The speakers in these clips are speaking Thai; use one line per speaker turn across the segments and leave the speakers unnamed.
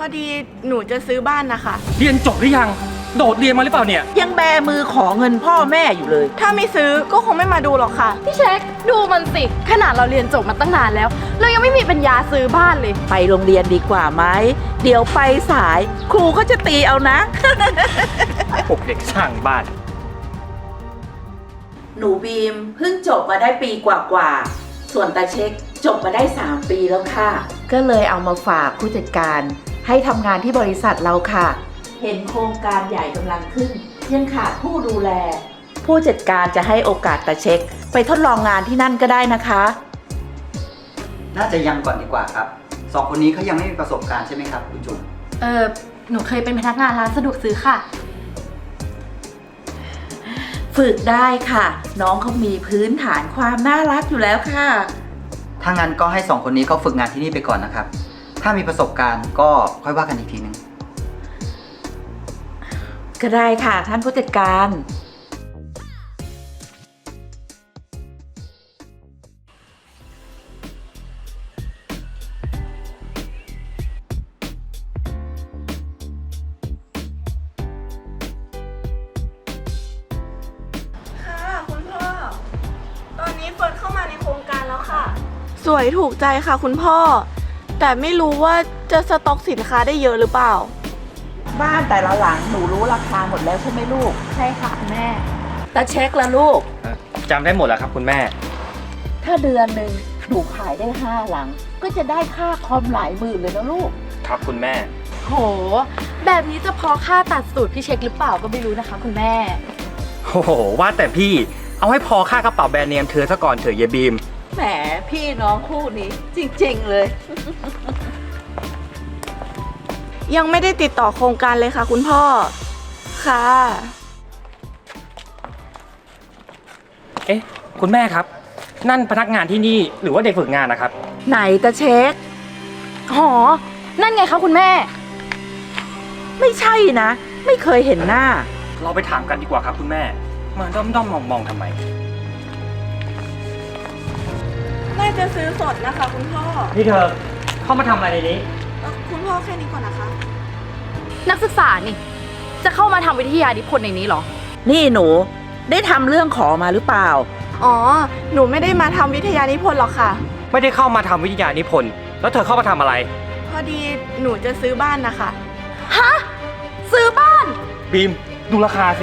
อดีหนูจะซื้อบ้านนะคะ
เรียนจบหรือยังโดดเรียนมาหรือเปล่าเนี่ย
ยังแบมือขอเงินพ่อแม่อยู่เลย
ถ้าไม่ซื้อก็คงไม่มาดูหรอกค่ะ
พี่เช็คดูมันสิขนาดเราเรียนจบมาตั้งนานแล้ว เรายังไม่มีปัญญาซื้อบ้านเลย
ไปโรงเรียนดีกว่าไหมเดี๋ยวไปสายครูก็จะตีเอานะ
พวกเด็กช่างบ้าน
หนูบีมเพิ่งจบมาได้ปีกว่าๆส่วนตาเช็คจบมาได้3 ปีแล้วค่ะ ก็เลยเอามาฝากผู้จัดการให้ทำงานที่บริษัทเราค่ะ เห็นโครงการใหญ่กำลังขึ้นยังขาดผู้ดูแล ผู้จัดการจะให้โอกาสตาเช็คไปทดลองงานที่นั่นก็ได้นะคะ
น่าจะยังก่อนดีกว่าครับสองคนนี้เขายังไม่มีประสบการณ์ใช่ไหมครับคุณจุ๋ม
หนูเคยเป็นพนักงานร้านสะดวกซื้อค่ะ
ฝึกได้ค่ะ น้องเขามีพื้นฐานความน่ารักอยู่แล้วค่ะ
ถ้างั้นก็ให้สองคนนี้เขาฝึกงานที่นี่ไปก่อนนะครับ ถ้ามีประสบการณ์ก็ค่อยว่ากันอีกทีนึง
ก็ได้ค่ะท่านผู้จัดการ
ค่ะคุณพ่อ ตอนนี้เฟิร์นเข้ามาในโครงการแล้วค่ะ สวยถูกใจค่ะคุณพ่อ แต่ไม่รู้ว่าจะสต็อกสินค้าได้เยอะหรือเปล่า
บ้านแต่ละหลังหนูรู้ราคาหมดแล้วใช่ไหมลูก
ใช่ค่ะแม่
ตาเช็คละลูก
จำได้หมดแล้วครับคุณแม่
ถ้าเดือนหนึ่งหนูขายได้5 หลัง ก็จะได้ค่าคอมหลายหมื่นเลยนะลูก
ครับคุณแม่
โห แบบนี้จะพอค่าตัดสูตรพี่เช็คหรือเปล่าก็ไม่รู้นะคะคุณแม่
โอ้โหว่าแต่พี่เอาให้พอค่ากระเป๋าแบรนด์เนมเธอซะก่อนเถอะเยบีม
แหมพี่น้องคู่นี้จริงๆเลย
ยังไม่ได้ติดต่อโครงการเลยค่ะคุณพ่อ ค่ะ
เอ๊ะคุณแม่ครับ นั่นพนักงานที่นี่หรือว่าเด็กฝึกงานนะครับ
ไหนตาเช็ค
หอ นั่นไงคะคุณแม่
ไม่ใช่นะ ไม่เคยเห็นหน้า
เราไปถามกันดีกว่าครับคุณแม่มาด้อมๆมองๆทำไม
น่าจะซื้อสดนะคะคุณพ่อ
นี่เธอเข้ามาทำอะไรในนี้
คุณพ่อแค่นี้ก่อนนะคะ
นักศึกษานี่ จะเข้ามาทำวิทยานิพนธ์ในนี้เหรอ
นี่หนูได้ทำเรื่องขอมาหรือเปล่า
อ๋อ หนูไม่ได้มาทำวิทยานิพนธ์หรอกค่ะ
ไม่ได้เข้ามาทำวิทยานิพนธ์แล้วเธอเข้ามาทำอะไร
พอดีหนูจะซื้อบ้านนะคะ
ฮะ ซื้อบ้าน
บีมดูราคาสิ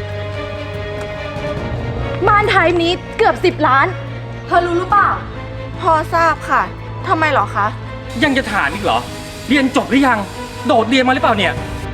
บ้านไทยนี้เกือบ10 ล้าน เธอรู้หรือเปล่า
พอทราบค่ะ ทำไมเหรอคะ
ยังจะถามอีกเหรอ เรียนจบหรือยังโดดเรียนมาหรือเปล่าเนี่ย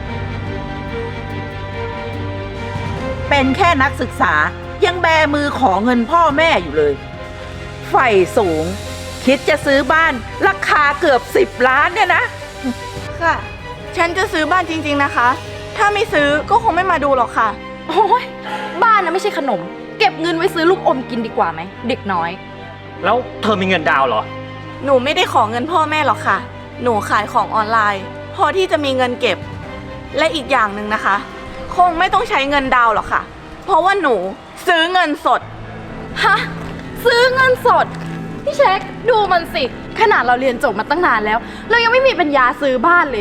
เป็นแค่นักศึกษายังแบมือขอเงินพ่อแม่อยู่เลยไฟสูง คิดจะซื้อบ้านราคาเกือบ10 ล้านเนี่ยนะ
ค่ะ ฉันจะซื้อบ้านจริงๆนะคะ ถ้าไม่ซื้อก็คงไม่มาดูหรอกค่ะ
โอ้ยบ้านนะไม่ใช่ขนม เก็บเงินไว้ซื้อลูกอมกินดีกว่าไหม เด็กน้อย
แล้วเธอมีเงินดาวน์เหรอ
หนูไม่ได้ขอเงินพ่อแม่หรอกค่ะ หนูขายของออนไลน์ พอที่จะมีเงินเก็บ และอีกอย่างหนึ่งนะคะ คงไม่ต้องใช้เงินดาวน์หรอกค่ะ เพราะว่าหนูซื้อเงินสด
ฮะ ซื้อเงินสด พี่เช็คดูมันสิขนาดเราเรียนจบมาตั้งนานแล้ว เรายังไม่มีปัญญาซื้อบ้านเลย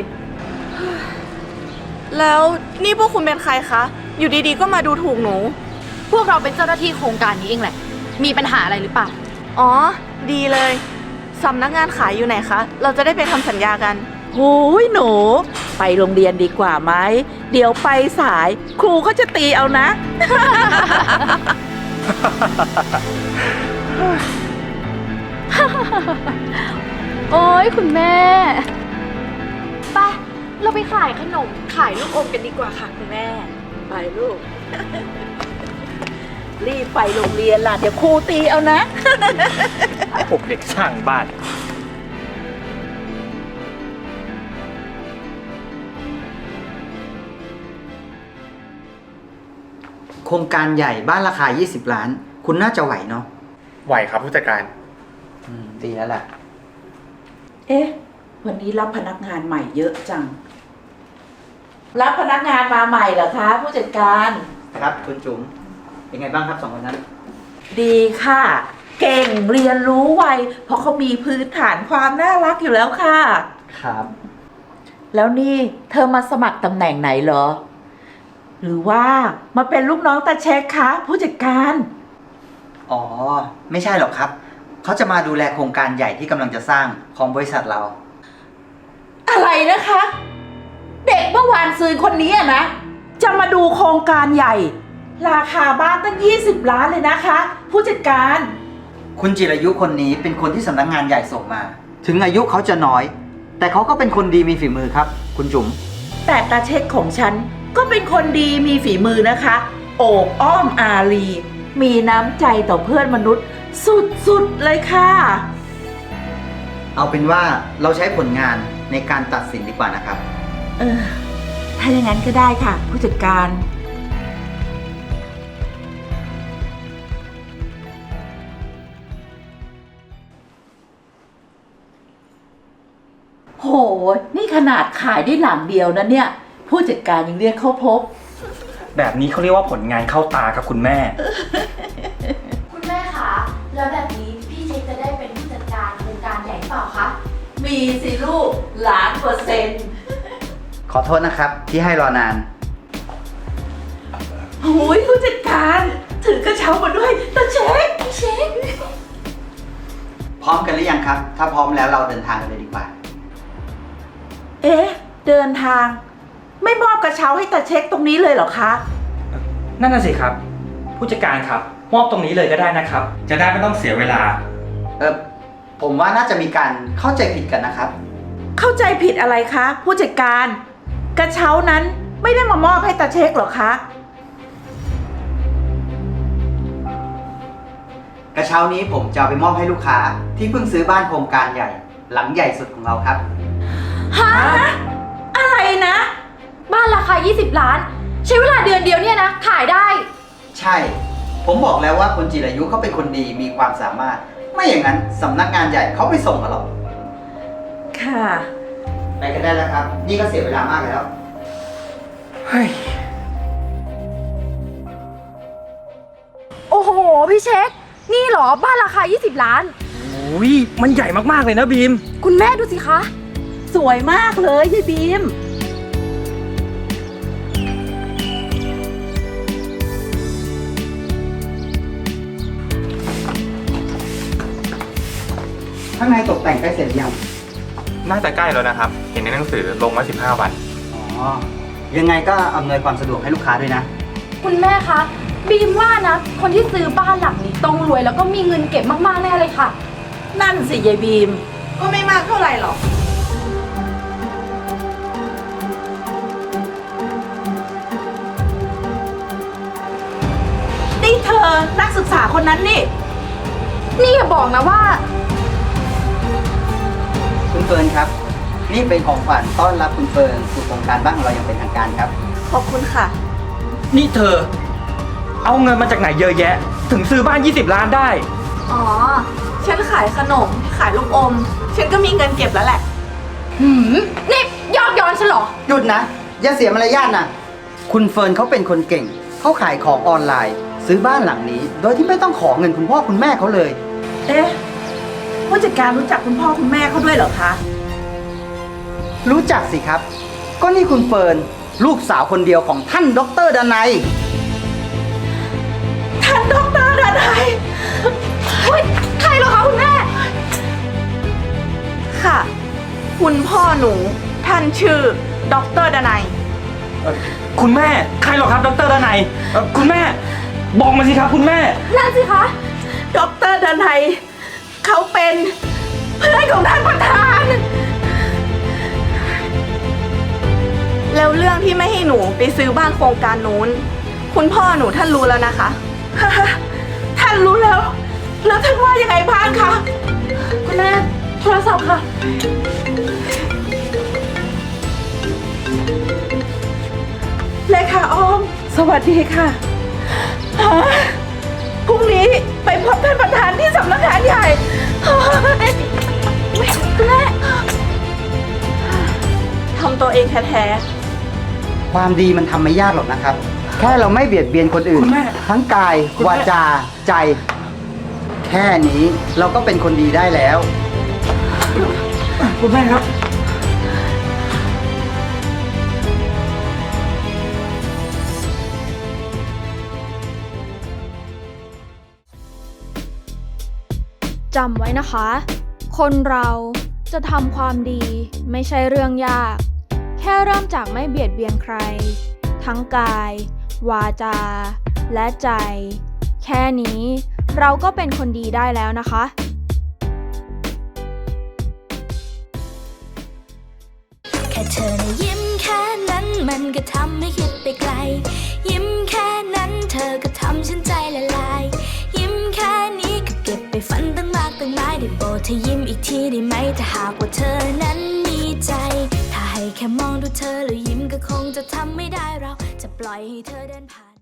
แล้วนี่พวกคุณเป็นใครคะ อยู่ดีๆก็มาดูถูกหนู
พวกเราเป็นเจ้าหน้าที่โครงการนี้เองแหละ มีปัญหาอะไรหรือเปล่า
อ๋อ ดีเลย สำนักงานขายอยู่ไหนคะ เราจะได้ไปทำสัญญากัน
หูยหนู ไปโรงเรียนดีกว่าไหมเดี๋ยวไปสายครูก็จะตีเอานะ
โอ้ยคุณแม่ไปเราไปขายขนม ขายลูกอมกันดีกว่าค่ะคุณแม่
ไปลูก รีบไปโรงเรียนล่ะ เดี๋ยวครูตีเอานะ
พวกเด็กช่างบ้าน
โครงการใหญ่บ้านราคา20 ล้าน คุณน่าจะไหวเนาะ
ไหวครับผู้จัดการ
ดีแล้วแหละ
เอ๊ะ วันนี้รับพนักงานใหม่เยอะจัง รับพนักงานมาใหม่เหรอคะผู้จัดการ
ครับคุณจุ๋มเป็นไงบ้างครับสองคนนั้น
ดีค่ะ เก่งเรียนรู้ไวเพราะเขามีพื้นฐานความน่ารักอยู่แล้วค่ะ
ครับ
แล้วนี่เธอมาสมัครตำแหน่งไหนเหรอ หรือว่ามาเป็นลูกน้องตาเช็คคะผู้จัดการ
อ๋อ ไม่ใช่หรอกครับ เขาจะมาดูแลโครงการใหญ่ที่กำลังจะสร้างของบริษัทเรา
อะไรนะคะ เด็กเมื่อวานซืนคนนี้อะนะ จะมาดูโครงการใหญ่ ราคาบ้านตั้ง20 ล้านเลยนะคะ ผู้จัดการ
คุณจิรายุคนนี้เป็นคนที่สำนักงานใหญ่ส่งมา ถึงอายุเขาจะน้อย แต่เขาก็เป็นคนดีมีฝีมือครับ คุณจุ๋ม
แต่ตาเช็คของฉันก็เป็นคนดีมีฝีมือนะคะ โอบอ้อมอารี มีน้ำใจต่อเพื่อนมนุษย์สุดๆเลยค่ะ
เอาเป็นว่าเราใช้ผลงานในการตัดสินดีกว่านะครับ
ถ้าอย่างนั้นก็ได้ค่ะ ผู้จัดการ โห นี่ขนาดขายได้หลังเดียวนะเนี่ย ผู้จัดการยังเรียกเข้าพบ
แบบนี้เขาเรียกว่าผลงานเข้าตาครับคุณแม่
คุณแม่คะ แล้วแบบนี้พี่เช็คจะได้เป็นผู้จัดการโครงการใหญ่เปล่าคะ
มีสิลูก1,000,000%
ขอโทษนะครับที่ให้รอนาน
โอ้ยผู้จัดการถือกระเช้ามาด้วยตาเช็คพี่เช็ค
พร้อมกันหรือยังครับ ถ้าพร้อมแล้วเราเดินทางกันเลยดีกว่า
เอ๊ะ เดินทาง ไม่มอบกระเช้าให้ตาเช็คตรงนี้เลยเหรอคะ
นั่นน่ะสิครับ ผู้จัดการครับ มอบตรงนี้เลยก็ได้นะครับ จะได้ไม่ต้องเสียเวลา
ผมว่าน่าจะมีการเข้าใจผิดกันนะครับ
เข้าใจผิดอะไรคะ ผู้จัดการ กระเช้านั้นไม่ได้มามอบให้ตาเช็คเหรอคะ
กระเช้านี้ผมจะเอาไปมอบให้ลูกค้าที่เพิ่งซื้อบ้านโครงการใหญ่ หลังใหญ่สุดของเราครับ
ฮะ
อะไรนะ
บ้านราคา 20 ล้าน ใช้เวลาเดือนเดียวเนี่ยนะ ขายได้
ใช่ ผมบอกแล้วว่าคุณจิรายุเขาเป็นคนดีมีความสามารถ ไม่อย่างนั้นสำนักงานใหญ่เขาไม่ส่งมาหรอก
ค่ะ
ไปกันได้แล้วครับ นี่ก็เสียเวลามากแล้ว
เฮ้ย
โอ้โห พี่เช็ค นี่เหรอบ้านราคา 20 ล้าน
โอ้ยมันใหญ่มากๆเลยนะบีม
คุณแม่ดูสิคะ
สวยมากเลยยายบีม
ข้างในตกแต่งใกล้เสร็จหรือยัง
น่าจะใกล้แล้วนะครับ เห็นในหนังสือลงมา15 วัน
อ๋อ ยังไงก็อำนวยความสะดวกให้ลูกค้าด้วยนะ
คุณแม่คะ บีมว่านะ คนที่ซื้อบ้านหลังนี้ต้องรวยแล้วก็มีเงินเก็บมากๆแน่เลยค่ะ
นั่นสิยายบีม
ก็ไม่มากเท่าไหร่หรอก
นี่เธอนักศึกษาคนนั้นนี่
นี่อย่าบอกนะว่า
คุณเฟิร์นครับ นี่เป็นของขวัญต้อนรับคุณเฟิร์นสู่โครงการบ้านของเราอย่างเป็นทางการครับ
ขอบคุณค่ะ
นี่เธอ เอาเงินมาจากไหนเยอะแยะ ถึงซื้อบ้าน 20 ล้านได้
อ๋อ ฉันขายขนม ขายลูกอม ฉันก็มีเงินเก็บแล้วแหละ
นี่ยอดย้อนฉันเหรอ
หยุดนะ อย่าเสียมารยาทนะ คุณเฟิร์นเขาเป็นคนเก่ง เขาขายของออนไลน์ ซื้อบ้านหลังนี้ โดยที่ไม่ต้องขอเงินคุณพ่อคุณแม่เขาเลย
เอ๊ะ ผู้จัดการรู้จักคุณพ่อคุณแม่เขาด้วยเหรอคะ
รู้จักสิครับ ก็นี่คุณเฟิร์นลูกสาวคนเดียวของท่านดรดนัย
ท่านดรดนัย
เฮ้ย ใครเหรอคะคุณแม่
ค่ะ คุณพ่อหนู ท่านชื่อดรดนัย
คุณแม่ ใครหรอครับดรดนัยคุณแม่ บอกมาสิครับคุณแม่
นั่นสิคะ
ดรดนัยเขาเป็นเพื่อนของท่านประธาน
แล้วเรื่องที่ไม่ให้หนูไปซื้อบ้านโครงการนู้น คุณพ่อหนูท่านรู้แล้วนะคะ
ท่านรู้แล้ว แล้วท่านว่ายังไงบ้างคะ
คุณแม่ โทรศัพท์ค่ะ
เลขาอ้อม สวัสดีค่ะฮะพรุ่งนี้ไปพบท่านประธานที่สำนักงานใหญ่เฮ้ย
คุณแม่
ทำตัวเองแท้
ความดีมันทำไม่ยากหรอกนะครับ แค่เราไม่เบียดเบียนคนอื่น
คุณแม่
ทั้งกาย
คุณแม่
วาจา ใจ แค่นี้เราก็เป็นคนดีได้แล้ว
คุณแม่ครับ
จำไว้นะคะ คนเราจะทำความดีไม่ใช่เรื่องยาก แค่เริ่มจากไม่เบียดเบียนใคร ทั้งกาย วาจา และใจ แค่นี้เราก็เป็นคนดีได้แล้วนะคะ
แค่เธอนะยิ้มแค่นั้นมันก็ทำให้คิดไปไกล ยิ้มแค่นั้นเธอก็ทำฉันใจละลาย ยิ้มแค่นี้ก็เก็บไปฝันตั้งมากตั้งหลายได้โปรดเธอยิ้มอีกทีได้ไหมถ้าหากว่าเธอนั้นมีใจ ถ้าให้แค่มองดูเธอแล้วยิ้มก็คงจะทำไม่ได้เราจะปล่อยให้เธอเดินผ่าน